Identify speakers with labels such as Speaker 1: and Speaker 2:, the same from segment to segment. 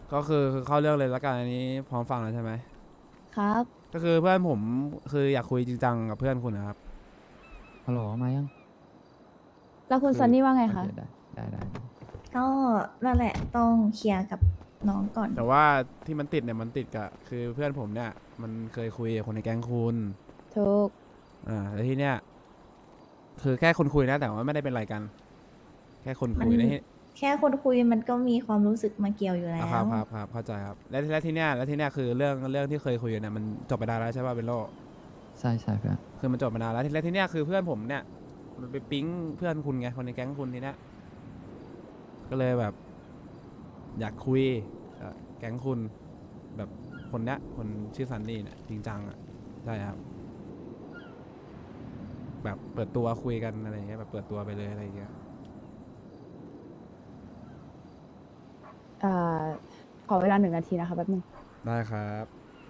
Speaker 1: ก็คือเข้าเรื่องเลยละกันอันนี้พร้อมฟังแล้วใช่ไหม
Speaker 2: ครับ
Speaker 1: ก็คือเพื่อนผมคืออยากคุยจริงจังกับเพื่อนคุณนะครับ
Speaker 3: ฮัลโหลมายัง
Speaker 2: แล้วคุณ
Speaker 1: คือ
Speaker 2: ซันนี่ว่าไง
Speaker 3: โอเค
Speaker 2: คะ
Speaker 3: ได้
Speaker 4: ก็นั่นแหละต้องเคลียร์กับน้องก่อน
Speaker 1: แต่ว่าที่มันติดเนี่ยมันติดกับคือเพื่อนผมเนี่ยมันเคยคุยกับคนในแก๊งคุณ
Speaker 2: ถูก
Speaker 1: แล้วที่เนี้ยคือแค่คนคุยนะแต่ว่าไม่ได้เป็นอะไรกันแค่คน
Speaker 4: มัน
Speaker 1: คุยนะที่
Speaker 4: แค่คนคุยมันก็มีความรู้สึกมาเกี่ยวอยู่แล้ว
Speaker 1: ครับเข้าใจครับแล้วที่เนี้ยคือเรื่องที่เคยคุยกันเนี่ยมันจบไปได้แล้วใช่ป่ะเบนโล
Speaker 3: ใช่เพื่อน
Speaker 1: คือมันจบมานานแล้วที่เนี้ยคือเพื่อนผมเนี่ยมันไปปิ๊งเพื่อนคุณไงคนในแก๊งคุณทีเนี้ยก็เลยแบบอยากคุยกับแก๊งคุณแบบคนเนี้ยคนชื่อซันนี่เนี่ยจริงจังอ่ะใช่ครับแบบเปิดตัวคุยกันอะไรเงี้ยแบบเปิดตัวไปเลยอะไรเงี้ย
Speaker 2: เอ่อขอเวลา1 นาทีนะคะแป๊บนึง
Speaker 1: ได้ครับ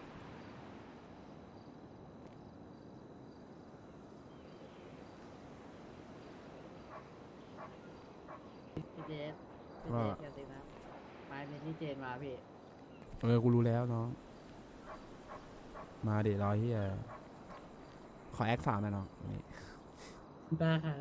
Speaker 5: พี่เจสพี่เจ
Speaker 1: ก็
Speaker 5: สเดี๋ยวสินะไม้เป็นที่เจนมาพี่
Speaker 1: กูรู้แล้วน้องมาเดี๋ยวรอที่ขอแอคสามหน่อยน้องนี่
Speaker 5: ได้ค่ะ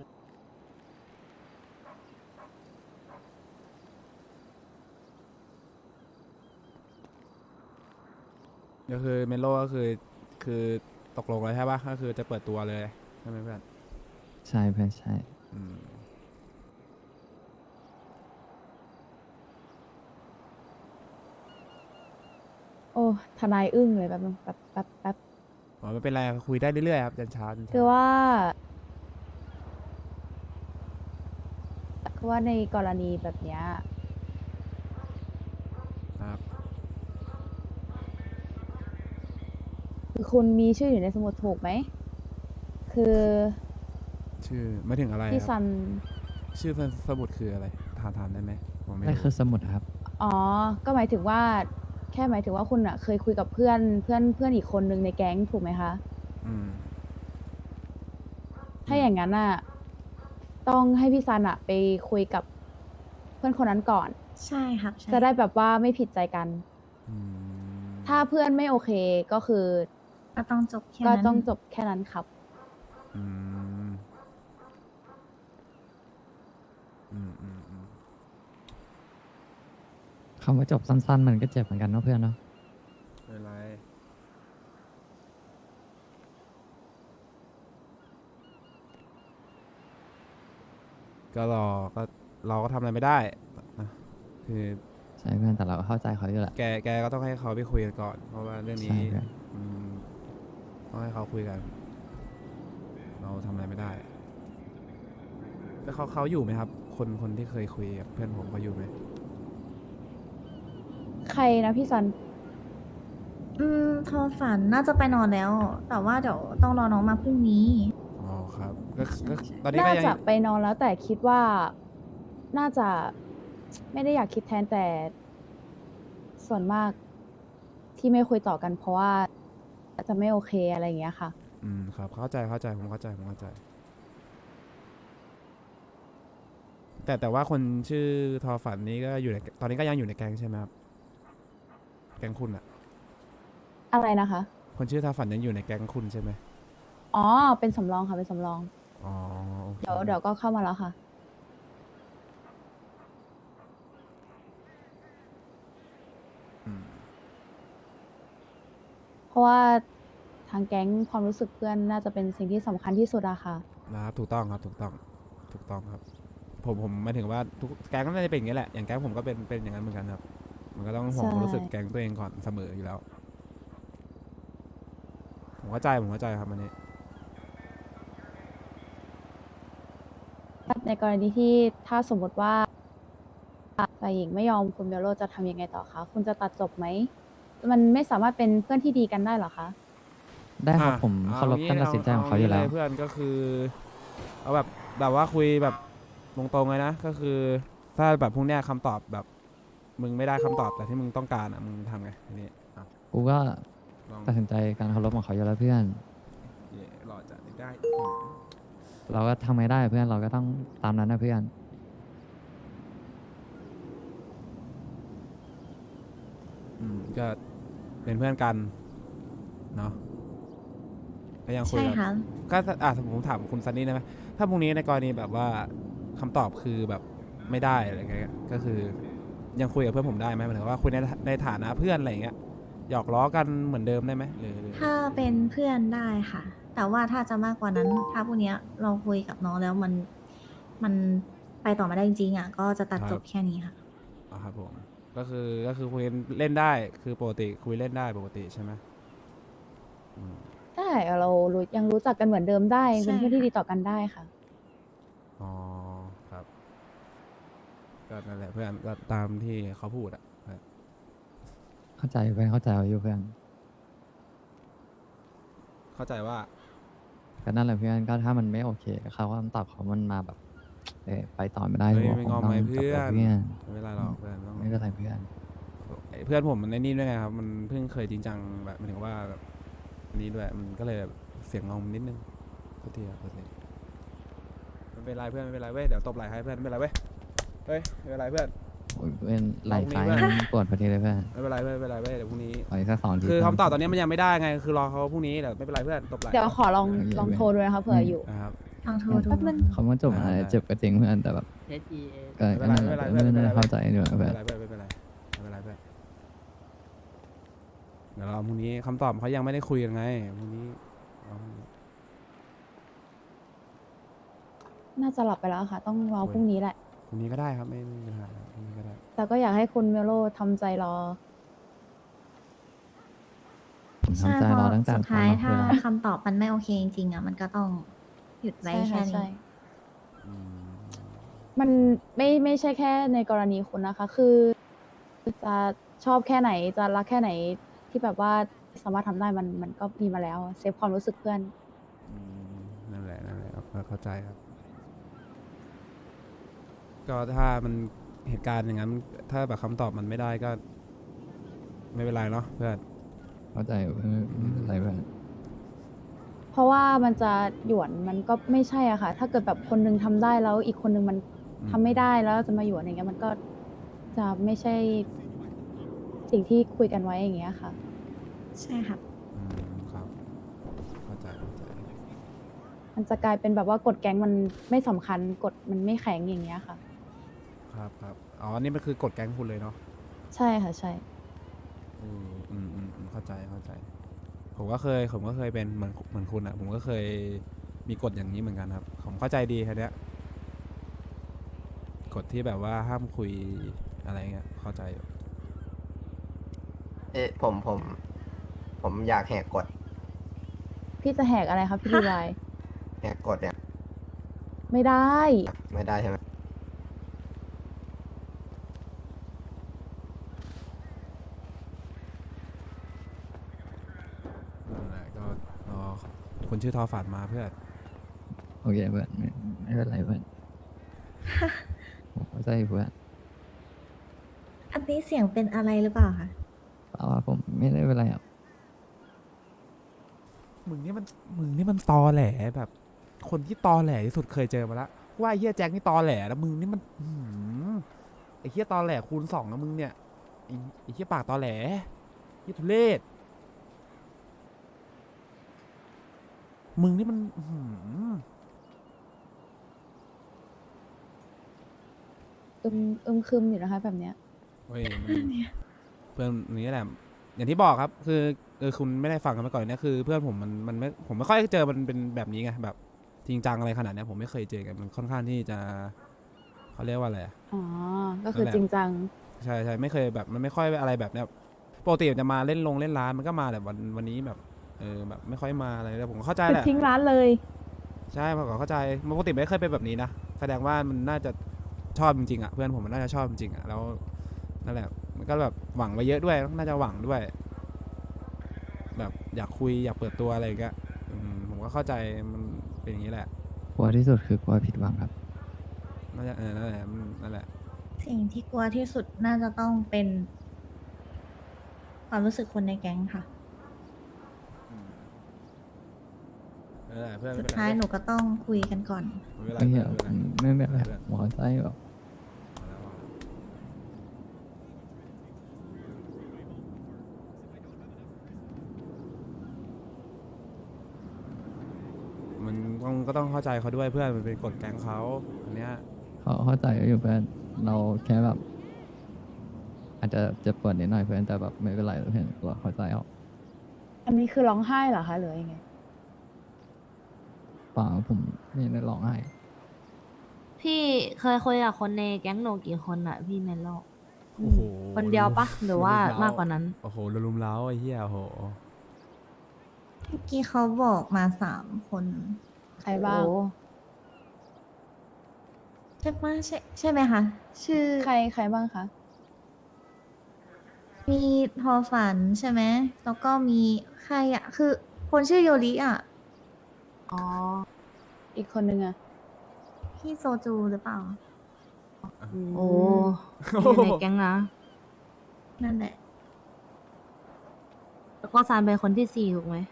Speaker 1: ก็คือเมโลก็คือตกลงแล้วใช่ปะก็คือจะเปิดตัวเลยใช่ไหมเพื่อน
Speaker 3: ใช่เพื่อนใช่
Speaker 1: อืม
Speaker 2: โอ้ทนายอึ้งเลยแป๊บนึงแป๊บ
Speaker 1: อ๋อไม่เป็นไรคุยได้เรื่อยๆครับยันเช้ายันเช้า
Speaker 2: คือว่าในกรณีแบบเนี้ย
Speaker 1: ครับ
Speaker 2: คือคุณมีชื่ออยู่ในสมุดถูกไหมคือ
Speaker 1: ชื่อไม่ถึงอะไรครับ
Speaker 2: พี่ซัน
Speaker 1: ชื่อสมุดคืออะไรถามได้ไหมผมไม่
Speaker 3: นั่น
Speaker 1: รู้
Speaker 3: คือสมุดครับ
Speaker 2: อ๋อก็หมายถึงว่าแค่หมายถึงว่าคุณอะเคยคุยกับเพื่อนอีกคนนึงในแก๊งถูกไหมคะ
Speaker 1: อืมอื
Speaker 2: ถ้า
Speaker 1: ม
Speaker 2: อย่างนั้นอะต้องให้พี่ซันอะไปคุยกับเพื่อนคนนั้นก่อน
Speaker 4: ใช่ครับใช่
Speaker 2: จะได้แบบว่าไม่ผิดใจกัน
Speaker 1: อื
Speaker 2: ถ้า
Speaker 1: ม
Speaker 2: เพื่อนไม่โอเคก็คือ
Speaker 4: ก็ต้องจบแค่
Speaker 2: ก็
Speaker 4: นั้น
Speaker 2: ต้องจบแค่นั้นครับ
Speaker 1: อืมอืม
Speaker 3: คำว่าจบสั้นๆมันก็เจ็บเหมือนกันเนาะเพื่อนเนาะ
Speaker 1: ไม่เป็นไรก็รอก็เราก็ทำอะไรไม่ได้นะคือ
Speaker 3: ใช่เพื่อนแต่เราก็เข้าใจเขาอยู่แหละ
Speaker 1: แกก็ต้องให้เขาไปคุยกันก่อนเพราะว่าเรื่องนี้
Speaker 3: ใช่เพื่อน
Speaker 1: อืมต้องให้เขาคุยกันเราทำอะไรไม่ได้แล้วเขาอยู่ไหมครับคนที่เคยคุยกับเพื่อนผมเขาอยู่ไหม
Speaker 2: ใครนะพี่ซัน
Speaker 4: โทรฝันน่าจะไปนอนแล้วแต่ว่าเดี๋ยวต้องรอน้องมาพรุ่งนี้
Speaker 1: อ๋อครับก็
Speaker 4: ใช่
Speaker 1: ก็
Speaker 4: ใช่
Speaker 1: ตอนนี้ก็ยัง
Speaker 2: น่าจะไปนอนแล้วแต่คิดว่าน่าจะไม่ได้อยากคิดแทนแต่ส่วนมากที่ไม่คุยต่อกันเพราะว่าจะไม่โอเคอะไรอย่างเงี้ยค่ะ
Speaker 1: ครับเข้าใจผมเข้าใจแต่ว่าคนชื่อทอฝันนี้ก็อยู่ในตอนนี้ก็ยังอยู่ในแก๊งใช่ไหมครับแก๊งคุณอะ
Speaker 2: อะไรนะคะ
Speaker 1: คนชื่อทอฝันยังอยู่ในแก๊งคุณใช่ไหม
Speaker 2: อ๋อเป็นสำรองค่ะเป็นสำรอง
Speaker 1: อ๋อโอเค
Speaker 2: เดี๋ยวก็เข้ามาแล้วค่ะ
Speaker 1: อืม
Speaker 2: เพราะว่าทางแก๊งความรู้สึกเพื่อนน่าจะเป็นสิ่งที่สำคัญที่สุดอะค่ะ
Speaker 1: นะครับถูกต้องครับผมหมายถึงว่าทุกแก๊งก็น่าจะเป็นอย่างนี้แหละอย่างแก๊งผมก็เป็นอย่างนั้นเหมือนกันครับมันก็ต้องห่วง
Speaker 2: ใช่
Speaker 1: ความรู้สึกแก๊งตัวเองก่อนเสมออยู่แล้วผมเข้าใจครับอันนี้
Speaker 2: ในกรณีที่ถ้าสมมติว่า ฝ่ายหญิงไม่ยอมคุณเบลโลจะทำยังไงต่อคะ คุณจะตัดจบไหม มันไม่สามารถเป็นเพื่อนที่ดีกันได้เหรอคะ
Speaker 3: ได้ครับผม
Speaker 1: เอา
Speaker 3: เคารพ
Speaker 1: งี้
Speaker 3: การตัดสินใจของเขาอยู่แล้ว
Speaker 1: งี้เลยเพื่อนก็คือเอาแบบว่าคุยแบบตรงๆเลยนะก็คือถ้าแบบพวกเนี้ยคำตอบแบบมึงไม่ได้คำตอบแต่ที่มึงต้องการอ่ะมึงทำไงอันนี้อ่ะ
Speaker 3: กูก็
Speaker 1: ลอง
Speaker 3: ตัดสินใจการเคารพของเขาอยู่แล้วเพื่อน
Speaker 1: หล่อจัดได้
Speaker 3: เราก็ทำไม่ได้เพื่อนเราก็ต้องตามนั้นนะเพื่อน
Speaker 1: ก็เป็นเพื่อนกันเนาะก็ยังคุย
Speaker 4: ใช่
Speaker 1: กัน
Speaker 4: ค่ะ
Speaker 1: ก็ผมถามคุณซันนี่ได้ไหมถ้าพรุ่งนี้ในกรณีแบบว่าคำตอบคือแบบไม่ได้อะไรเงี้ยก็คือยังคุยกับเพื่อนผมได้ไหมหมายถึงว่าคุยในฐานะเพื่อนอะไรอย่างเงี้ยหยอกล้อกันเหมือนเดิมได้ไหมหรือ
Speaker 4: ถ้าเป็นเพื่อนได้ค่ะ แต่ว่าถ้าจะมากกว่านั้น ถ้าพวกเนี้ยเราคุยกับน้องแล้วมันไปต่อไม่ได้จริงๆอ่ะ ก็จะตัดจบแค่นี้ค่ะ
Speaker 1: อ๋อครับผมก็คือคุยเล่นได้คือปกติคุยเล่นได้ปกติใช่ไหมอืม
Speaker 2: ได้เรายังรู้จักกันเหมือนเดิมได้ยังเป็น
Speaker 4: ใช่
Speaker 2: เพื่อนที่
Speaker 4: ค่ะ
Speaker 2: ดีต่อกันได้ค่ะ
Speaker 1: อ๋อครับก็นั่นแหละเพื่อนก็ตามที่เขาพูดอะ
Speaker 3: เข้าใจเพื่อนเข้าใจอยู่เพื่อน
Speaker 1: เข้าใจว่า
Speaker 3: ก็นั่นแหละเพื่อนก็ถ้ามันไม่โอเคเขาคำตอบเขามันมาแบบไปต่อไม่ได้
Speaker 1: เฮ้ย
Speaker 3: บอก
Speaker 1: ไม่
Speaker 3: ผม
Speaker 1: งอม
Speaker 3: ต้อ
Speaker 1: ไหม
Speaker 3: งจบ
Speaker 1: เพื่อ
Speaker 3: แล้ว
Speaker 1: น
Speaker 3: เพื่อน
Speaker 1: ไม่เป็นไรหรอกเพื่อนต้อง
Speaker 3: ไม่เป็นไรเพื่อน
Speaker 1: เพื่อนผมมันในนี่ด้วยไงครับมันเพิ่งเคยจริงจังแบบหมายถึงว่าแบบนี้ด้วยมันก็เลยแบบเสียงงอมนิดนึงโทษทีครับโทษทีไม่เป็นไรเพื่อนไม่เป็นไรเว้ยเดี๋ยวตบไหล่ให้เพื่อนไม่เป็นไรเว้ยเฮ้ยไม่เป็นไรเพื่อน
Speaker 3: โอ้ยเพื่อนไหล
Speaker 1: ลองมี
Speaker 3: ซ้าย
Speaker 1: เพื่อน
Speaker 3: มันปวดพอดีเลยเพื่อน
Speaker 1: ไม่เป็นไรเพื่อนไม่เป็นไรเว้ยเดี๋ยวพรุ่งนี้
Speaker 3: ขออีกสัก2 ที
Speaker 1: คือ
Speaker 3: เพื่
Speaker 1: คำตอบตอนนี้มันยังไม่ได้ไงคือรอเขาพรุ่งนี้เดี๋ยวไม่เป็นไรเพื่อนตบไหล่
Speaker 2: เดี๋ยวขอลองโทรดูนะคะเผื่ออยู่
Speaker 1: นะครับ
Speaker 4: ลองโทรดู
Speaker 2: แป๊บนึง
Speaker 3: เขามาจบอะไรเจ็บก็จริงเพื่อนแต่แบบ
Speaker 5: H E A
Speaker 3: ก็นั่นแหละเพื่อนไม่ได้เข้าใจด้วย
Speaker 1: ไม่
Speaker 3: เพื่
Speaker 1: เป็
Speaker 3: อน
Speaker 1: นไรเพื่อนไม่เป็นไรไม่เป็นไรเพื่อนเดี๋ยวเราพรุ่งนี้คำตอบเขายังไม่ได้คุยกันไงพรุ่งนี้เอาพรุ่งนี้
Speaker 2: น่าจะหลับไปแล้วค่ะ ต้องรอพรุ่งนี้แหละ
Speaker 1: พรุ่งนี้ก็ได้ครับไม่มีปัญหาครับพรุ่งนี้ก็ได้
Speaker 2: แต่ก็อยากให้คุณเมโลทำใจรอ
Speaker 3: ผม
Speaker 4: ใช่
Speaker 3: ทำใจ
Speaker 4: เพ
Speaker 3: รอ
Speaker 4: ราะ
Speaker 3: ตั้งแต่
Speaker 4: สุดท้าย
Speaker 3: ตอน
Speaker 4: ถ้า
Speaker 3: มาคุยแล้ว
Speaker 4: คำตอบมันไม่โอเคจริงๆอ่ะ มันก็ต้องหยุดไว้
Speaker 2: ใช่
Speaker 4: แค่
Speaker 2: ค่ะ
Speaker 4: นี้
Speaker 2: ใช่
Speaker 1: อืม
Speaker 2: มันไม่ใช่แค่ในกรณีคุณนะคะ คือจะชอบแค่ไหนจะรักแค่ไหนที่แบบว่าสามารถทำได้มันก็มีมาแล้วเซฟความรู้สึกเพื่อน
Speaker 1: อืมนั่นแหละครับเข้าใจครับ ก็ถ้ามันเหตุการณ์อย่างนั้น ถ้าแบบคำตอบมันไม่ได้ก็ ไม่เป็นไรเนาะเพื่อน
Speaker 3: เข้าใจเพื่อนไม่เป็นไรเพื่อน
Speaker 2: เพราะว่ามันจะหยวนมันก็ไม่ใช่อะค่ะ ถ้าเกิดแบบคนนึงทำได้แล้วอีกคนนึงมัน
Speaker 1: อืม
Speaker 2: ทำไม่ได้แล้วจะมาหยวนอย่างเงี้ยมันก็จะไม่ใช่สิ่งที่คุยกันไว้อย่างเงี้ยค่ะ
Speaker 4: ใช่ค่ะ
Speaker 1: อืมครับเข้าใจ
Speaker 2: มันจะกลายเป็นแบบว่ากฎแก๊งมันไม่สำคัญกฎมันไม่แข็งอย่างเงี้ยค่ะ
Speaker 1: ครับอ๋อนี่มันคือกฎแก๊งคุณเลยเนาะ
Speaker 2: ใช่ค่ะใช่
Speaker 1: เข้าใจผมก็เคยเป็นเหมือนคุณอะผมก็เคยมีกฎอย่างนี้เหมือนกันครับ ผมเข้าใจดีครับเนี้ยกฎที่แบบว่าห้ามคุยอะไรเงี้ยเข้าใจอยู่
Speaker 6: เอ๊ะผมอยากแหกกฎ
Speaker 2: พี่จะแหกอะไรครับพี่ดีวาย
Speaker 6: แหกกฎเนี่ย
Speaker 2: ไม่ได้
Speaker 6: ไม่ได้ใช่ไหม
Speaker 1: นั่นแหละก็รอคนชื่อทอฝันมาเพื่อน
Speaker 3: โอเคเพื่อนไม่เป็นไรเพื่อนผมเข้าใจเพื่อน
Speaker 4: อันนี้เสียงเป็นอะไรหรือเปล่าคะ
Speaker 3: เปล่าว่าผมไม่ได้เป็นไรอ่ะ
Speaker 1: มึงนี่มันตอแหลแบบ คนที่ตอแหลที่สุดเคยเจอมาละว่าไอ้เฮียแจ็คนี่ตอแหลแล้วมึงนี่มันไอ้เฮียตอแหลคูณ 2นะมึงเนี่ยไอ้เฮียปากตอแหลเฮียทุเรศมึงนี่มัน
Speaker 2: คึมอยู่นะคะแบบเนี้ย
Speaker 1: เฮ้ยเพื่อนนี่แหละ อย่างที่บอกครับ คือคุณไม่ได้ฟังกันมาก่อนเนี่ยคือเพื่อนผมมันไม่ผมไม่ค่อยเจอมันเป็นแบบนี้ไงแบบจริงจังอะไรขนาดเนี้ยผมไม่เคยเจอกันมันค่อนข้างที่จะเขาเรียกว่าอะไรอะ
Speaker 2: อ๋อ ก็คือ
Speaker 1: นั่นแหละ
Speaker 2: จริงจัง
Speaker 1: ใช่ไม่เคยแบบมันไม่ค่อยอะไรแบบเนี้ยปกติมันจะมาเล่นร้านมันก็มาแต่วันนี้แบบแบบไม่ค่อยมาอะไรเลยผมก็เข้าใจ
Speaker 2: คือ
Speaker 1: แหละ
Speaker 2: ทิ้งร้านเลย
Speaker 1: ใช่ผมก็เข้าใจปกติไม่เคยเป็นแบบนี้นะแสดงว่ามันน่าจะชอบจริงๆอ่ะเพื่อนผมมันน่าจะชอบจริงๆอ่ะแล้วนั่นแหละมันก็แบบหวังไว้เยอะด้วยน่าจะหวังด้วย แบบอยากคุยอยากเปิดตัวอะไรอย่างเงี้ยผมก็เข้าใจมันเป็นอย่างนี้แหละ
Speaker 3: กลัวที่สุดคือกลัวผิดหวังครับ
Speaker 1: น่าจะนั่นแหละนั่นแหละ
Speaker 4: สิ่งที่กลัวที่สุดน่าจะต้องเป็นความรู้สึกคนในแก๊งค่ะ
Speaker 1: นั่นแหละเพื่อน
Speaker 4: สุ
Speaker 1: ไม่
Speaker 4: ด
Speaker 1: เป็นไร
Speaker 4: ท้ายหนูก็ต้องคุยกันก่อน
Speaker 1: ไม่เป็นไร
Speaker 3: ไม่
Speaker 1: เพื่
Speaker 3: เกี่
Speaker 1: อย น
Speaker 3: ว
Speaker 1: ไม่เป็นไร
Speaker 3: ไม่เป็นไรผมเข้าใจแบบ
Speaker 1: พต้องเข้าใจเขาด้วยเพื่อนมันเป็นกฎแก๊งเขาอันเนี้ย
Speaker 3: เขาเข้าใจอยู่เพื่อนเราแค่แบบ อาจจะเจ็บปวดนิดหน่อยเพื่อนแต่แบบไม่เป็นไรเพื่อนเราเข้าใจเอา
Speaker 2: อันนี้คือร้องไห้เหรอคะหรือยังไง
Speaker 3: เปล่าผมไม่ได้ร้องไห้
Speaker 7: พี่เคยคุยกับคนในแก๊งหนูกี่คนอะพี่เมลโล
Speaker 1: โอ้โห
Speaker 7: คนเดียวปะหรือว่า
Speaker 1: ลุมเล้
Speaker 7: มากกว่านั้น
Speaker 1: โอ้โหลุมเล้าไอ้เหี้ยโอ้โห
Speaker 4: เมื่อกี้เขาบอกมา3 คน
Speaker 2: ใครบ้าง
Speaker 7: โอ้
Speaker 4: ใช่ปะใช่ไหมคะ ชื่อ
Speaker 2: ใครบ้างคะ
Speaker 4: มีทอฝันใช่ไหมแล้วก็มีใครอะคือคนชื่อโยริอะ
Speaker 7: อ๋อ
Speaker 2: อีกคนนึงอะ
Speaker 4: พี่โซจูหรือเปล่า
Speaker 7: โอ้อยู่ในแก๊งนะ
Speaker 4: นั่นแหละ
Speaker 7: แล้วก็ซานเป็นคนที่สี่ถูกไหม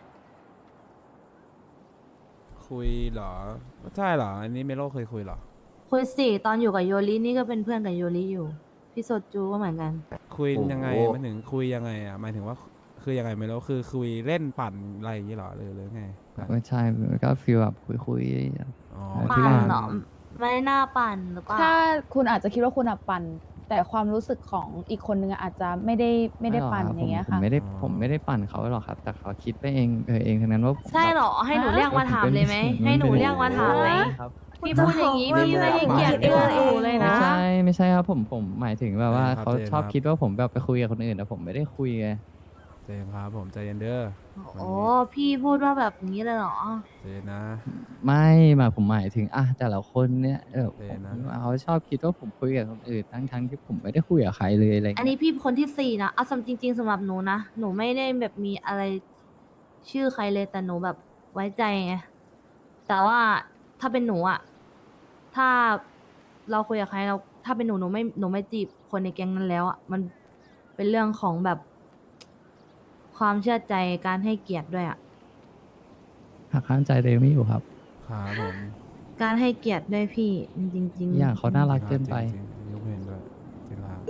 Speaker 1: คุยเหรอใช่เหรออันนี้เมโลเคยคุยเหรอ
Speaker 7: คุยสี่ตอนอยู่กับโยรินี่ก็เป็นเพื่อนกับโยริอยู่ พี่โซจูก็เหมือนกัน
Speaker 1: คุย
Speaker 6: โอ้โห
Speaker 1: ยังไงหมายถึงคุยยังไงอ่ะหมายถึงว่าคือยังไงเมโลคือคุยเล่นปั่นอะไรอย่างงี้เหรอหรือไง
Speaker 3: ไม่ใช่ก็ฟีลแบบคุย
Speaker 1: อ๋อ
Speaker 3: เพื่
Speaker 7: ปั่
Speaker 3: อน
Speaker 7: นเนาะไม่น่าปั่นหรือเปล่า
Speaker 2: ถ้าคุณอาจจะคิดว่าคุณอะปั่นแต่ความรู้สึกของอีกคนนึงอะอาจจะไม่ได้ปั่นอย่างเงี้ย
Speaker 3: ผม
Speaker 2: ค่ะ
Speaker 3: ไม่ได้ปั่นเขาหรอกครับ แต่เขาคิดไปเองเองทั้งนั้นว่าผม
Speaker 7: ใช่เหรอ ให้หนูเรียกมาถามเลยไหม ให้หนูเรียกมาถามไหม
Speaker 3: ครับ
Speaker 7: พี่พูดอย่างนี้พี่ไม่ให้เกียรติเพื่อนหนูเลยนะ
Speaker 3: ไม่ใช่ครับผมหมายถึงแบบว่าเขาชอบคิดว่าผมแบบไปคุยกับคนอื่นแต่ผมไม่ได้คุยไง
Speaker 1: ใจเย็นครับผมใจเย็นเด้อ
Speaker 7: โอ้พี่พูดว่าแบบนี้เลยเหรอ
Speaker 1: ใจเย็นนะ
Speaker 3: ไม่มาผมหมายถึงแต่ละคนเนี่ย
Speaker 1: โอเคนะ
Speaker 3: เขาชอบคิดว่าผมคุยกับคนอื่นทั้งที่ผมไม่ได้คุยกับใครเลยอะไร
Speaker 7: อันนี้พี่คนที่สี่นะเอาจริง ๆสำหรับหนูนะ หนูไม่ได้แบบมีอะไรชื่อใครเลยแต่หนูแบบไว้ใจไง แต่ว่าถ้าเป็นหนูอะถ้าเราคุยกับใครเราถ้าเป็นหนูไม่จีบคนในแก๊งนั้นแล้วอะมันเป็นเรื่องของแบบ ความเชื่อใจการให้เกียรติด้วยอะ
Speaker 3: หักข้ามใจตัวเองไม่อยู่ครับ
Speaker 1: ครับผม
Speaker 7: การให้เกียรติด้วยพี่จริงๆ
Speaker 3: อย่างเขาน่ารักเกินไป
Speaker 1: จริงๆยกเว้นด้วยจริงครับ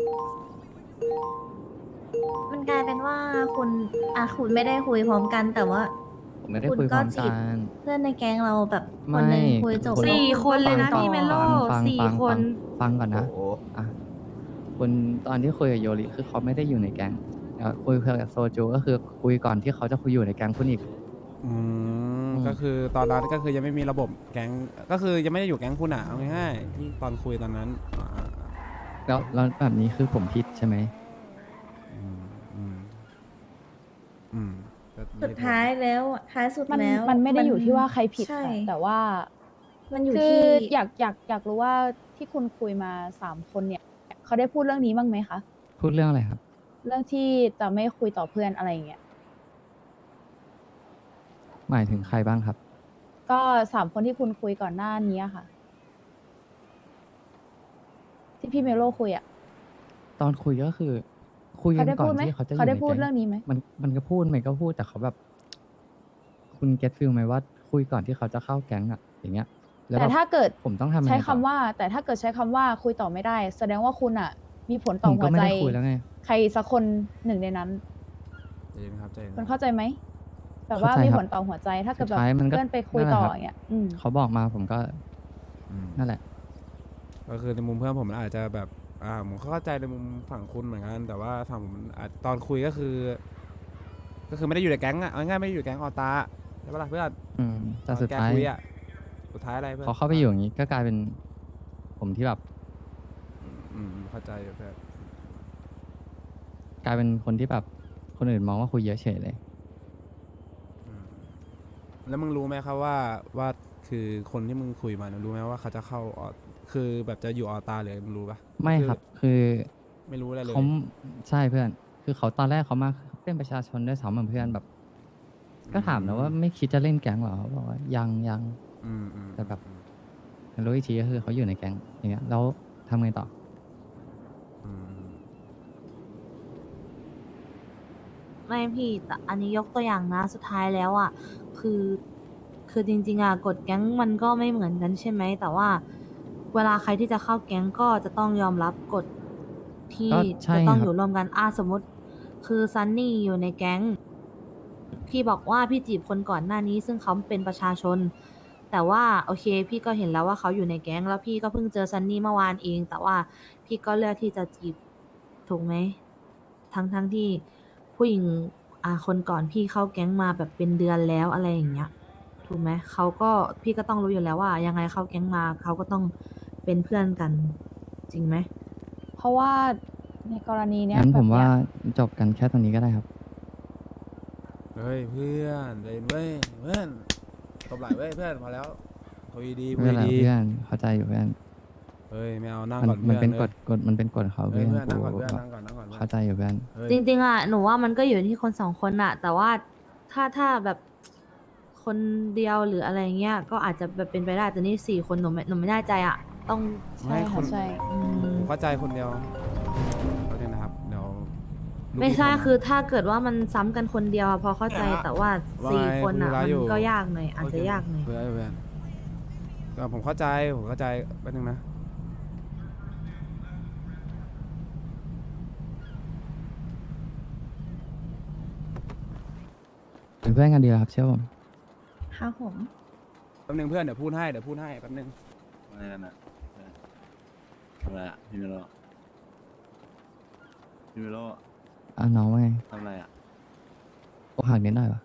Speaker 4: มันกลายเป็นว่าคุณไม่ได้คุยพร้อมกัน แต่ว่า
Speaker 3: ผมไม่ได้คุยพร้อม
Speaker 4: คุณก็จี
Speaker 3: กับ น
Speaker 4: เพื่อนในแก๊งเราแบบคนหนึ่ง
Speaker 3: ไม่
Speaker 4: คุยจบ
Speaker 3: คุณ
Speaker 7: สี่
Speaker 4: แล้ว
Speaker 7: คนเลยนะ
Speaker 4: ต่อ
Speaker 7: พี่เมโล
Speaker 3: ฟัง
Speaker 7: สี่
Speaker 3: ฟัง
Speaker 7: คน
Speaker 3: ฟังก่อนนะ
Speaker 6: โอ้โห
Speaker 3: อ่ะคุณตอนที่คุยกับโยริคือเขาไม่ได้อยู่ในแก๊งคุยกับโซจูก็คือคุยก่อนที่เขาจะคุยอยู่ในแก๊งคุณอีก
Speaker 1: อืม
Speaker 3: อืม
Speaker 1: ก็คือตอนนั้นก็คือยังไม่มีระบบแก๊งก็คือยังไม่ได้อยู่แก๊งคุณอ่ะเอาง่ายๆที่ตอนคุยตอนนั้น
Speaker 3: แล้วแบบนี้คือผมผิดใช่ไหม
Speaker 1: อืมอืมอืมก็
Speaker 4: สุดท้ายแล้วอะท้ายสุด
Speaker 2: มัน
Speaker 4: แล้ว
Speaker 2: มันไม่ได้อยู่ที่ว่าใครผิด
Speaker 4: ใช่
Speaker 2: ค่ะแต่ว่า
Speaker 4: มันอยู่
Speaker 2: คือ
Speaker 4: ที่
Speaker 2: อยากรู้ว่าที่คุณคุยมา3 คนเนี่ยเขาได้พูดเรื่องนี้บ้างไหมคะ
Speaker 3: พูดเรื่องอะไรครับ
Speaker 2: เรื่องที่จะไม่คุยต่อเพื่อนอะไรอย่างเงี้ย
Speaker 3: หมายถึงใครบ้างครับ
Speaker 2: ก็3 คนที่คุณคุยก่อนหน้านี้อะค่ะ ที่พี่เมโลคุยอะ
Speaker 3: ตอนคุยก็คือ คุยกั
Speaker 2: เขา
Speaker 3: น
Speaker 2: ได้
Speaker 3: ก่อ
Speaker 2: พูด
Speaker 3: น
Speaker 2: ไหม
Speaker 3: ที่เขาจะอยู่
Speaker 2: เขาได้
Speaker 3: ใน
Speaker 2: พูด
Speaker 3: แก๊ง
Speaker 2: เรื่องนี้ไหม
Speaker 3: มันก็พูดแต่เขาแบบ คุณเก็ตฟิลไหมว่าคุยก่อนที่เขาจะเข้าแก๊งอะอย่างเงี้ยแล้ว
Speaker 2: แต่
Speaker 3: บบ
Speaker 2: ถ้าเกิด
Speaker 3: ผมต้องทำยังไง
Speaker 2: ใช้คำ
Speaker 3: ต่อ
Speaker 2: ว่า แต่ถ้าเกิดใช้คำว่าคุยต่อไม่ได้ แสดงว่าคุณอะมีผล
Speaker 3: ผ
Speaker 2: ต่อ
Speaker 3: ม
Speaker 2: หั
Speaker 3: ก็
Speaker 2: ว
Speaker 3: ไม่
Speaker 2: ใจ
Speaker 3: ได้คุยแล้วไง
Speaker 2: ใครสักคนหนึ่งในนั้น
Speaker 1: ใจเย็นครับใจเย็น
Speaker 2: คุณเข้าใจไหมแบบว่า
Speaker 3: เข้าใจ
Speaker 2: มี
Speaker 3: ครับ
Speaker 2: ผลต่อหัวใจ ถ้าเกิด
Speaker 3: สุ
Speaker 2: แบ
Speaker 3: ด
Speaker 2: บ
Speaker 3: ท้ายมันก็
Speaker 2: เพื่อนไปคุย
Speaker 3: นั่นแหละ
Speaker 2: ต่อ
Speaker 3: ครับ
Speaker 2: อย่างเงี้ย
Speaker 3: เขาบอกมาผมก็
Speaker 1: อืม
Speaker 3: นั่นแหละ
Speaker 1: ก็คือในมุมเพื่อนผมมันอาจจะแบบผมเข้าใจในมุมฝั่งคุณเหมือนกัน แต่ว่าฝั่งผมอาจตอนคุยก็คือ ก็คือไม่ได้อยู่ในแก๊งอ่ะเอาง่ายๆไม่ได้อยู่ในแก๊งออตาใช่ปะล่ะเพื่อน
Speaker 3: แต่สุด
Speaker 1: แก
Speaker 3: ท้าย
Speaker 1: คุยอ่ะสุดท้ายอะไรเพื่อน
Speaker 3: พอเข้าไปอยู่อย่างนี้ก็กลายเป็น ผมที่แบบ
Speaker 1: เข้าใจอยู่เพื่อน
Speaker 3: กลายเป็นคนที่แบบคนอื่นมองว่าคุยเยอะเฉยเลย
Speaker 1: อืมแล้วมึงรู้ไหมครับว่าคือคนที่มึงคุยมาเนี่ยรู้ไหมว่าเขาจะเข้าคือแบบจะอยู่ออตาหรือมึงรู้ปะ
Speaker 3: ไม่ครับ คือ
Speaker 1: ไม่รู้อะไรเลย
Speaker 3: เขาใช่เพื่อน คือเขาตอนแรกเขามาเป็นประชาชนด้วยซ้ำเหมือนเพื่อนแบบ ก็ถามนะว่าไม่คิดจะเล่นแก๊งเหรอเขาบอกว่ายัง แต่แบบ รู้อีกทีก็คือเขาอยู่ในแก๊งอย่างเงี้ยแล้วทำไงต่อ
Speaker 1: อืม
Speaker 7: ไม่พี่แต่อันนี้ยกตัวอย่างนะสุดท้ายแล้วอ่ะคือจริงๆอ่ะกฎแก๊งมันก็ไม่เหมือนกันใช่ไหมแต่ว่าเวลาใครที่จะเข้าแก๊งก็จะต้องยอมรับกฎที่
Speaker 3: ก็ใช่
Speaker 7: จะต้อง
Speaker 3: ครับ
Speaker 7: อยู่ร่วมกันสมมติ คือซันนี่อยู่ในแก๊งพี่บอกว่าพี่จีบคนก่อนหน้านี้ ซึ่งเขาเป็นประชาชนแต่ว่าโอเค พี่ก็เห็นแล้วว่าเขาอยู่ในแก๊งแล้วพี่ก็เพิ่งเจอซันนี่เมื่อวานเอง แต่ว่าพี่ก็เลือกที่จะจีบถูกไหมทั้งที่ผู้หญิงคนก่อนพี่เข้าแก๊งมาแบบเป็นเดือนแล้วอะไรอย่างเงี้ยถูกไหมเขาก็พี่ก็ต้องรู้อยู่แล้วว่า ยังไงเข้าแก๊งมาเขาก็ต้องเป็นเพื่อนกัน จริงไหม
Speaker 2: เพราะว่าในกรณีเนี้ย
Speaker 3: งั้นผม
Speaker 2: แบบ
Speaker 3: ว่า
Speaker 2: เนี้ย
Speaker 3: จบกันแค่ตรงนี้ก็ได้ครับ
Speaker 1: เฮ้ยเพื่อนเล่นเว้ยเพื่อนตบไหล่เว้ยเพื่อนพอแล้วคุยดีคุ
Speaker 3: ไม่
Speaker 1: ย
Speaker 3: เป็นไร
Speaker 1: ดี
Speaker 3: เพื่อนเข้าใจอยู่เพื่อน
Speaker 1: เฮ้ยไม่เอานั่ง
Speaker 3: มัน
Speaker 1: ก่อน
Speaker 3: มัน
Speaker 1: เพื่อน
Speaker 3: เป็น
Speaker 1: เอ้ย
Speaker 3: กฎมันเป็นกฎเขา
Speaker 1: เฮ้
Speaker 3: เพื่
Speaker 1: ย
Speaker 3: อน
Speaker 1: เพื่อนนั่งก่อน
Speaker 3: กู
Speaker 1: เพื่อนนั่งก่อนนั่งก่อนเพื่อน
Speaker 3: เข้าใจอยู่เพื่อน
Speaker 1: เฮ้ย
Speaker 7: จริงๆอ่ะหนูว่ามันก็อยู่ที่คนสองคนอะแต่ว่าถ้าแบบคนเดียวหรืออะไรเงี้ยก็อาจจะแบบเป็นไปได้แต่นี่4 คนหนูไม่แน่ใจอะต้อง
Speaker 2: ใช่ค่ะใช่
Speaker 7: อืม
Speaker 1: ผมเข้าใจคนเดียวเขาเนี่ยนะครับเดี๋ยวลูก
Speaker 7: ไม่ใช่
Speaker 1: พี่โทรมา
Speaker 7: คือถ้าเกิดว่ามันซ้ำกันคนเดียวอะพอเข้าใจ
Speaker 1: เนี่ย
Speaker 7: แต่ว่า
Speaker 1: ว่า
Speaker 7: 4 คนอะ
Speaker 1: คุยธุระ
Speaker 7: มัน
Speaker 1: อยู่
Speaker 7: ก็ยากหน่อยอาจจะยากหน่อย
Speaker 1: เพื่อนเพื่อนก็ผมเข้าใจแป๊บนึงนะ
Speaker 3: เป็นเพื่อนกันดีแล้วครับเชื่อผม
Speaker 4: ครับผม
Speaker 1: แป๊บนึงเพื่อนเดี๋ยวพูดให้แป๊บนึง
Speaker 8: อะไรกันอะทำอะไรอะพี่เมโลพี่เมโล
Speaker 3: น้องว่าไง
Speaker 8: ทำอะไรอะ
Speaker 3: อกหักนิดหน่อยวะ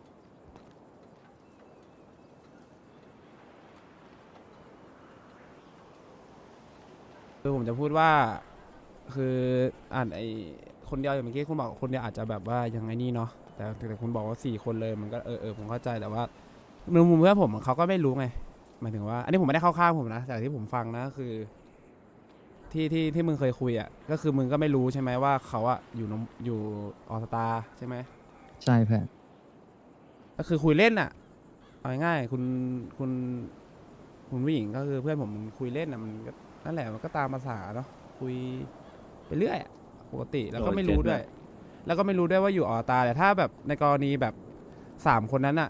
Speaker 1: คือผมจะพูดว่าคือไอคนเดียวอย่างเมื่อกี้คุณบอกคนเดียวอาจจะแบบว่ายังไงนี่เนาะแต่คุณบอกว่า4 คนเลยมันก็ผมเข้าใจแต่ว่าในมุมเพื่อนผมเขาก็ไม่รู้ไงหมายถึงว่า อันนี้ผมไม่ได้เข้าข้างผมนะแต่ที่ผมฟังนะคือ ที่มึงเคยคุยอ่ะก็คือมึงก็ไม่รู้ใช่ไหมว่าเขาอะอยู่ออสตาใช่ไหม
Speaker 3: ใช่เพื่อน
Speaker 1: ก็คือคุยเล่นอ่ะเอาง่ายๆคุณผู้หญิงก็คือเพื่อนผมคุยเล่นอ่ะมันก็นั่นแหละมันก็ตามภาษาเนาะคุยไปเรื่อยอะปกติแล้วก็ไม่รู้ด้วย แล้วก็ไม่รู้ด้วยว่าอยู่ออตาแต่ถ้าแบบในกรณีแบบ3 คนนั้นอะ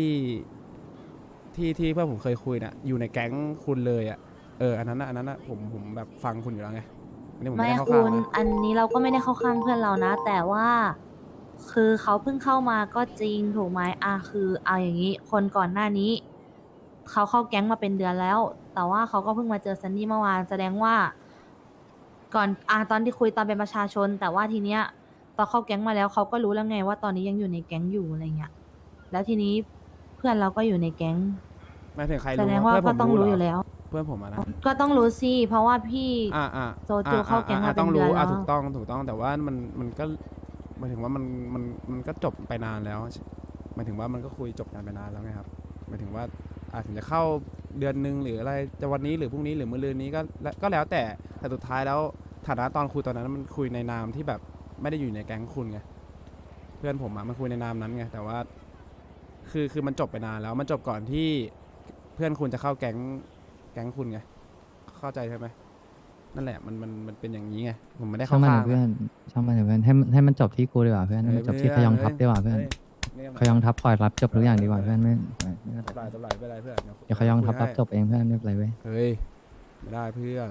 Speaker 1: ที่เพื่อนผมเคยคุยน่ะอยู่ในแก๊งคุณเลยอะอันนั้นอะผมแบบฟังคุณอยู่แล้วไงอันนี้ผมไม่
Speaker 7: ไม่
Speaker 1: ได้เข้า
Speaker 7: คุ
Speaker 1: ข้าง
Speaker 7: ณ
Speaker 1: นะ
Speaker 7: อันนี้เราก็ไม่ได้เข้าข้างเพื่อนเรานะ แต่ว่าคือเขาเพิ่งเข้ามาก็จริงถูกไหมคือเอาอย่างนี้คนก่อนหน้านี้เขาเข้าแก๊งมาเป็นเดือนแล้ว แต่ว่าเขาก็เพิ่งมาเจอซันนี่เมื่อวานแสดงว่าก่อนตอนที่คุยตอนเป็นประชาชน แต่ว่าทีเนี้ยตอนเข้าแก๊งมาแล้วเขาก็รู้แล้วไงว่าตอนนี้ยังอยู่ในแก๊งอยู่อะไรเงี้ยแล้วทีนี้เพื่อนเราก็อยู่ในแก๊ง
Speaker 1: หมายถึงใคร
Speaker 7: แส
Speaker 1: รู้
Speaker 7: ดงว่า
Speaker 1: เพื่อนผ
Speaker 7: ก็
Speaker 1: ม
Speaker 7: ต้อง
Speaker 1: รู้
Speaker 7: รู้
Speaker 1: เหร
Speaker 7: อยู่แล้ว
Speaker 1: เพื่อนผมอะนะ
Speaker 7: ก็ต้องรู้สิเพราะว่าพี่ โจจูเข้าแก๊งมาเป็น
Speaker 1: ต้องรู้
Speaker 7: เดือนแล้ว
Speaker 1: ถูกต้องแต่ว่ามันก็หมายถึงว่ามันก็จบไปนานแล้วหมายถึงว่ามันก็คุยจบกันไปนานแล้วไงครับหมายถึงว่าอาจจะเข้าเดือนนึงหรืออะไรจะวันนี้หรือพรุ่งนี้หรือมื้อรืนนี้ก็แล้วแต่สุดท้ายแล้วฐานะตอนคุยตอนนั้นมันคุยในนามที่แบบไม่ได้อยู่ในแก๊งคุณไงเพื่อนผมอะมันคุยในนามนั้นไงแต่ว่าคือมันจบไปนานแล้วมันจบก่อนที่เพื่อนคุณจะเข้าแก๊งคุณไงเข้าใจใช่ไหมนั่นแหละมันเป็นอย่างนี้ไงผมไม่ได้
Speaker 3: ช่า
Speaker 1: เข้าง
Speaker 3: มัน
Speaker 1: ข้า
Speaker 3: เถ
Speaker 1: ง
Speaker 3: อะ
Speaker 1: นะ
Speaker 3: เพื่อนช่างมันเถอะเพื่อนให้มันจบที่กูดีกว่าเพื่อนให้มันจบที่ขยองทัพดีกว่าเพื่อน ขยองทัพคอยรับจบทุกอย่างดีกว่าเพื่อนไม่
Speaker 1: ตบไหลตบไหลไม่เป็นไรเพื่อน
Speaker 3: เดี๋ยวขยองทัพรับจบเองเพื่อนไม่เป็นไรเว้ย
Speaker 1: เฮ้ยไม่ได้เพื่อน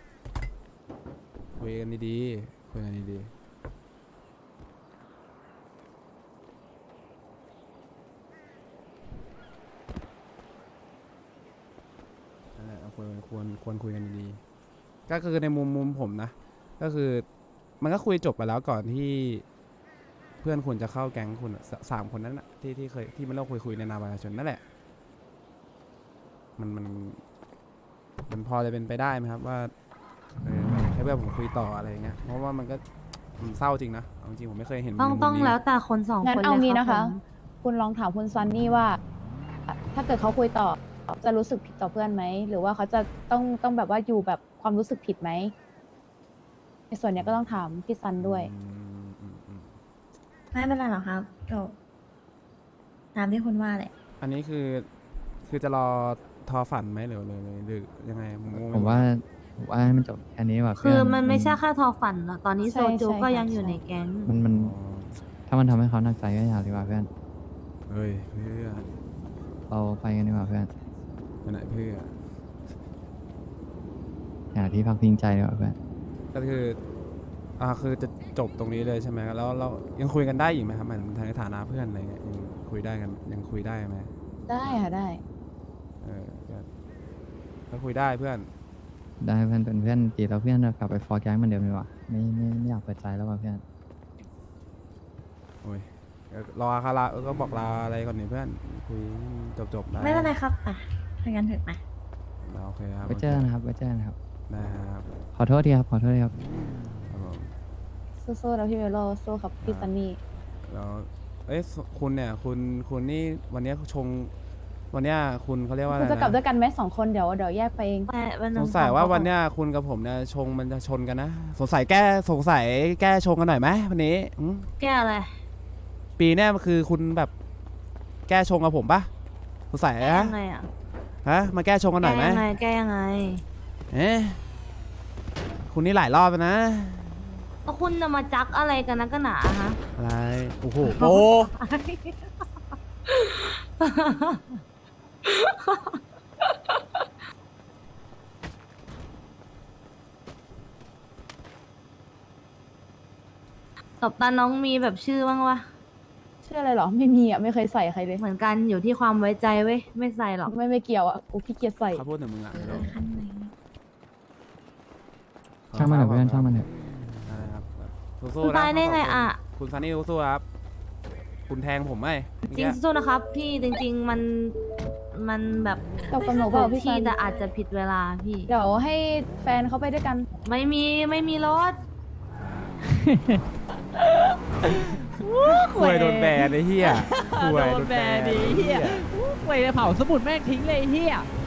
Speaker 1: คุยกันดีๆคุยกันดีๆนั่นแหละควรคุยกันดีๆก็คือในมุมผมนะ ก็คือมันก็คุยจบไปแล้วก่อนที่เพื่อนคุณจะเข้าแก๊งคุณอะ3 คนนั้นอะที่เคยที่มันเราคุยในนามประชาชนนั่นแหละมันพอจะเป็นไปได้ไหมครับว่าให้เพื่อนผมคุยต่ออะไรอย่างเงี้ยเพราะว่ามันก็เศร้าจริงนะเอาจริงผมไม่เคยเห็น
Speaker 7: ต้อง
Speaker 1: ในมุม
Speaker 7: ต้อง
Speaker 1: นี้
Speaker 7: แล้วแต่คน2
Speaker 2: งั้น
Speaker 7: คน
Speaker 2: เอา
Speaker 7: เลย
Speaker 2: งี้
Speaker 7: รับ
Speaker 2: นะคะ
Speaker 7: ผม
Speaker 2: คุณลองถามคุณซันนี่ว่า ถ้าเกิดเขาคุยต่อจะรู้สึกผิดต่อเพื่อนไหมหรือว่าเขาจะต้องแบบว่าอยู่แบบความรู้สึกผิดไหมในส่วนเนี้ยก็ต้องถามพี่ซันด้วย
Speaker 1: อืม
Speaker 4: ไม่เป็นไรหรอกครับก็ตามที่คุณว่าแหละ
Speaker 1: อันนี้คือจะรอทอฝันไหมหรือยังไงงงไปหด
Speaker 3: ผมว่าให้มันจบแค่นี้ว่ะ
Speaker 7: คื
Speaker 3: เพื่
Speaker 7: อ
Speaker 3: อน
Speaker 7: มันไม่ใช่แค่ทอฝันหรอกตอนนี้
Speaker 2: ใช่
Speaker 7: โซจู
Speaker 2: ใช่
Speaker 7: ก็
Speaker 2: ค่ะ
Speaker 7: ยังอยู่
Speaker 2: ใช่
Speaker 7: ในแก๊ง
Speaker 3: มัน
Speaker 1: อ๋อ
Speaker 3: ถ้ามันทำให้เขาหนักใจก็อย่าดีกว่าเพื่อน
Speaker 1: เฮ้ยเพื่อน
Speaker 3: เราไปกันดีกว่าเพื่อน
Speaker 1: ไปไหนเพื่อน
Speaker 3: หาที่พักพิงใจดีกว่าเพื่อน
Speaker 1: ก็คือจะจบตรงนี้เลยใช่ไหมแล้วเรายังคุยกันได้อีกไหมครับหมายถึงในฐานะเพื่อนอะไรเงี้ยยังคุยได้กันยังคุยได้ไหม
Speaker 2: ได้ค่ะได้
Speaker 1: ได้ก็คุยได้เพื่อน
Speaker 3: ได้เพื่อนเป็นเพื่อนตีแล้วเพื่อนกลับไปฟอร์แก๊งเหมือนเดิมดีกว่าไม่อยากเปิดใจแล้วว่ะเพื่อน
Speaker 1: โอ้ยเดี๋ยวรอคาราก็บอกลาอะไรก่อนนี่เพื่อนคุยจบได้
Speaker 4: ไม่เป็นไรครับอ่ะถ้างั้นเถอะมา
Speaker 1: โอเคครับ
Speaker 3: ไว้เจอกันนะครับไว้เจอกันนะครับ
Speaker 1: นะครับ
Speaker 3: ขอโทษทีครับขอโทษทีครับ
Speaker 1: ครับผม
Speaker 2: สู้ๆนะพี่เมโลสู้กับพี่ซันนี่
Speaker 1: แล้วเอ้ยคุณเนี่ยคุณนี่วันเนี้ยชงวันเนี้ยคุณเขาเรียกว่าอะ
Speaker 2: คุ
Speaker 1: ไร
Speaker 2: ณจะกลับด้ว
Speaker 1: นะ
Speaker 2: ยกันไหม2 คนเดี๋ยวแยกไปเอง
Speaker 7: ไม่วันห
Speaker 1: ส
Speaker 7: นึ่
Speaker 1: งสัยว่า
Speaker 7: ขอ
Speaker 1: วันเนี้ยคุณกับผมเนี่ยชงมันจะชนกันนะสงสัยแก้ชงกันหน่อยไหมวันนี้อืม
Speaker 7: แก้อะไร
Speaker 1: ปีเนี้ยมันคือคุณแบบแก้ชงกับผมปะสงสัย
Speaker 7: แก้
Speaker 1: ฮะ
Speaker 7: ยังไงอ่ะ
Speaker 1: ฮะมาแก้ชงกันหน่อยไหม
Speaker 7: แก้ยังไง
Speaker 1: เอ๊ะคุณนี่หลายรอบแล้วนะ
Speaker 7: แล้วคุณจะมาจักอะไรกันนักกันหนาฮะ
Speaker 1: อะไรโอ้โหโอ้
Speaker 7: ตบตาน้องมีแบบชื่อบ้างวะ
Speaker 2: ชื่ออะไรเหรอไม่มีอ่ะไม่เคยใส่ใครเลย
Speaker 7: เหมือนกันอยู่ที่ความไว้ใจเว้ย ไม่ใส่หรอก
Speaker 2: ไม่เกี่ยวอ่ะกูขี้เกียจใส่
Speaker 1: เขาพูดถึงมึงอ่ะ
Speaker 4: คันไหน
Speaker 3: ช่างมันเถอะเพื่อนช่างมันเถอะ
Speaker 1: นะครับ
Speaker 7: คุ
Speaker 1: สู้
Speaker 7: ณ
Speaker 1: ๆนะ
Speaker 7: ตายได้ไงอ่ะ
Speaker 1: คุณซันนี่สู้ๆครับ คุณแทงผมไหม
Speaker 7: จริงสู้นะครับ พี่จริง ๆ มันแบบ
Speaker 2: ตกกับหนูเปล่าพี่
Speaker 7: ที่
Speaker 2: ซัน
Speaker 7: แต่อาจจะผิดเวลาพี่
Speaker 2: เดี๋ยวให้แฟนเขาไปด้วยกัน
Speaker 7: ไม่มีรถ
Speaker 1: คุยโดนแบนไอ้เหี้ยคุยโดนแบนไอ้เหี้ย
Speaker 5: ไปเผาสมุดแม่งทิ้งเลยไอ้เฮีย